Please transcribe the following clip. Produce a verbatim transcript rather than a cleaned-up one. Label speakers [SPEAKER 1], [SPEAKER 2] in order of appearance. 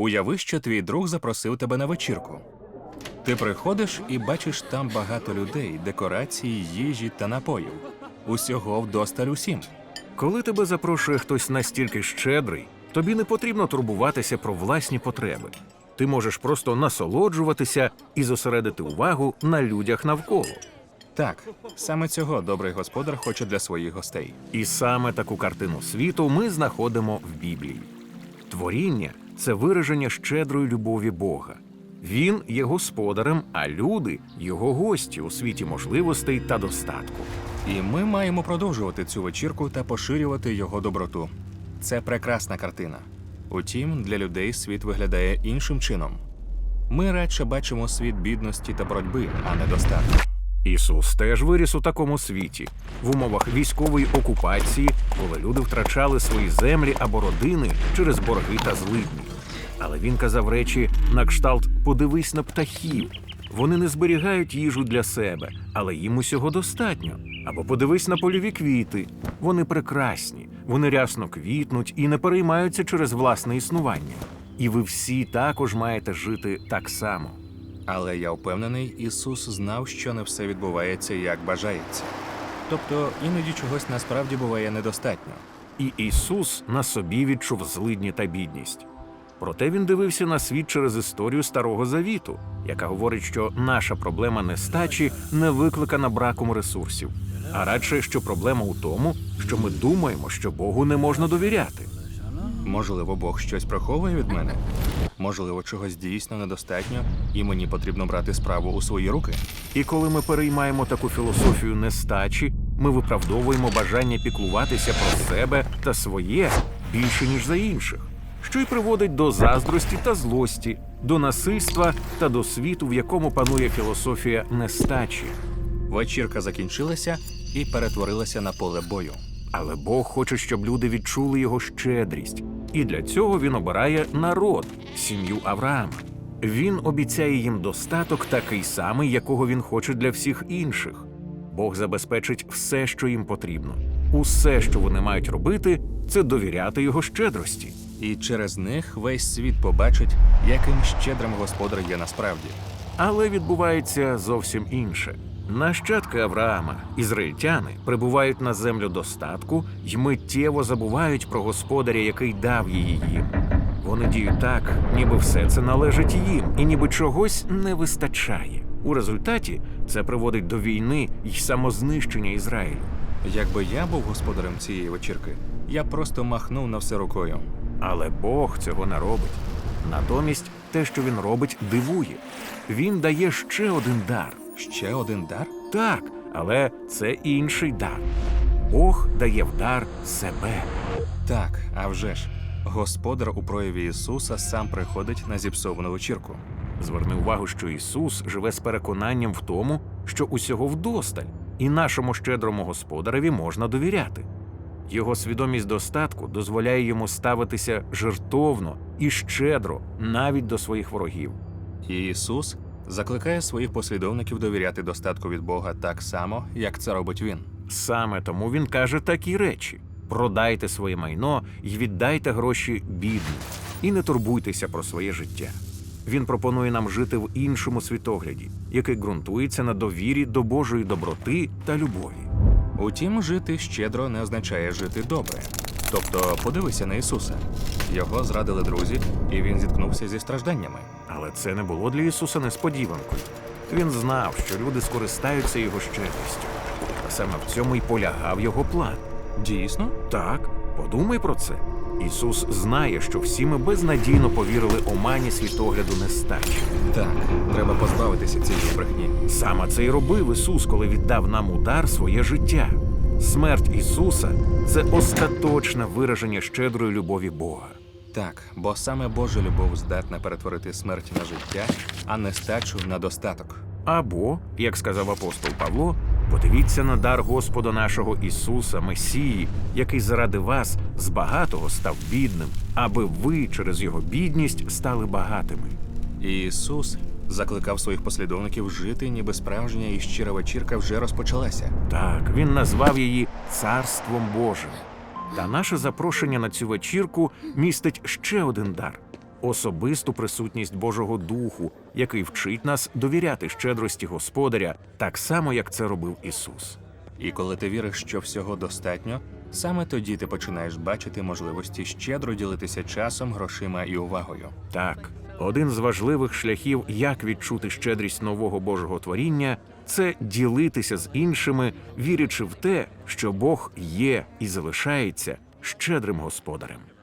[SPEAKER 1] Уяви, що твій друг запросив тебе на вечірку. Ти приходиш і бачиш там багато людей, декорації, їжі та напоїв. Усього вдосталь усім.
[SPEAKER 2] Коли тебе запрошує хтось настільки щедрий, тобі не потрібно турбуватися про власні потреби. Ти можеш просто насолоджуватися і зосередити увагу на людях навколо.
[SPEAKER 1] Так, саме цього добрий господар хоче для своїх гостей.
[SPEAKER 2] І саме таку картину світу ми знаходимо в Біблії. Творіння – це вираження щедрої любові Бога. Він є господарем, а люди – його гості у світі можливостей та достатку.
[SPEAKER 1] І ми маємо продовжувати цю вечірку та поширювати його доброту. Це прекрасна картина. Утім, для людей світ виглядає іншим чином. Ми радше бачимо світ бідності та боротьби, а не достатку.
[SPEAKER 2] Ісус теж виріс у такому світі, в умовах військової окупації, коли люди втрачали свої землі або родини через борги та злидні. Але він казав речі на кшталт «подивись на птахів». Вони не зберігають їжу для себе, але їм усього достатньо. Або подивись на польові квіти. Вони прекрасні, вони рясно квітнуть і не переймаються через власне існування. І ви всі також маєте жити так само.
[SPEAKER 1] Але я впевнений, Ісус знав, що не все відбувається, як бажається. Тобто, іноді чогось насправді буває недостатньо.
[SPEAKER 2] І Ісус на собі відчув злидні та бідність. Проте він дивився на світ через історію Старого Завіту, яка говорить, що наша проблема нестачі не викликана браком ресурсів, а радше, що проблема у тому, що ми думаємо, що Богу не можна довіряти.
[SPEAKER 1] Можливо, Бог щось приховує від мене? Можливо, чогось дійсно недостатньо, і мені потрібно брати справу у свої руки?
[SPEAKER 2] І коли ми переймаємо таку філософію нестачі, ми виправдовуємо бажання піклуватися про себе та своє більше, ніж за інших, що й приводить до заздрості та злості, до насильства та до світу, в якому панує філософія нестачі.
[SPEAKER 1] Вечірка закінчилася і перетворилася на поле бою.
[SPEAKER 2] Але Бог хоче, щоб люди відчули його щедрість. І для цього він обирає народ, сім'ю Авраама. Він обіцяє їм достаток такий самий, якого він хоче для всіх інших. Бог забезпечить все, що їм потрібно. Усе, що вони мають робити, це довіряти його щедрості.
[SPEAKER 1] І через них весь світ побачить, яким щедрим господар є насправді.
[SPEAKER 2] Але відбувається зовсім інше. Нащадки Авраама, ізраїльтяни, прибувають на землю достатку й миттєво забувають про господаря, який дав її їм. Вони діють так, ніби все це належить їм, і ніби чогось не вистачає. У результаті це приводить до війни й самознищення Ізраїлю.
[SPEAKER 1] Якби я був господарем цієї вечірки, я просто махнув на все рукою.
[SPEAKER 2] Але Бог цього не робить. Натомість те, що він робить, дивує. Він дає ще один дар.
[SPEAKER 1] Ще один дар?
[SPEAKER 2] Так, але це інший дар. Бог дає в дар себе.
[SPEAKER 1] Так, а вже ж. Господар у прояві Ісуса сам приходить на зіпсовану вечірку.
[SPEAKER 2] Зверни увагу, що Ісус живе з переконанням в тому, що усього вдосталь, і нашому щедрому господареві можна довіряти. Його свідомість достатку дозволяє йому ставитися жертовно і щедро навіть до своїх ворогів.
[SPEAKER 1] І Ісус закликає своїх послідовників довіряти достатку від Бога так само, як це робить Він.
[SPEAKER 2] Саме тому Він каже такі речі: «Продайте своє майно і віддайте гроші бідним, і не турбуйтеся про своє життя». Він пропонує нам жити в іншому світогляді, який ґрунтується на довірі до Божої доброти та любові.
[SPEAKER 1] Утім, жити щедро не означає жити добре. Тобто, подивися на Ісуса. Його зрадили друзі, і Він зіткнувся зі стражданнями.
[SPEAKER 2] Але це не було для Ісуса несподіванкою. Він знав, що люди скористаються його щедрістю. А саме в цьому й полягав його план.
[SPEAKER 1] Дійсно?
[SPEAKER 2] Так, подумай про це. Ісус знає, що всі ми безнадійно повірили омані світогляду нестачі.
[SPEAKER 1] Так, треба позбавитися цієї брехні.
[SPEAKER 2] Саме це й робив Ісус, коли віддав нам у дар своє життя. Смерть Ісуса – це остаточне вираження щедрої любові Бога.
[SPEAKER 1] Так, бо саме Божа любов здатна перетворити смерть на життя, а нестачу на достаток.
[SPEAKER 2] Або, як сказав апостол Павло, подивіться на дар Господа нашого Ісуса, Месії, який заради вас з багатого став бідним, аби ви через його бідність стали багатими.
[SPEAKER 1] І Ісус закликав своїх послідовників жити, ніби справжня і щира вечірка вже розпочалася.
[SPEAKER 2] Так, він назвав її «Царством Божим». Та наше запрошення на цю вечірку містить ще один дар. особисту присутність Божого Духу, який вчить нас довіряти щедрості Господаря, так само, як це робив Ісус.
[SPEAKER 1] І коли ти віриш, що всього достатньо, саме тоді ти починаєш бачити можливості щедро ділитися часом, грошима і увагою.
[SPEAKER 2] Так, один з важливих шляхів, як відчути щедрість нового Божого творіння, це ділитися з іншими, вірячи в те, що Бог є і залишається щедрим Господарем.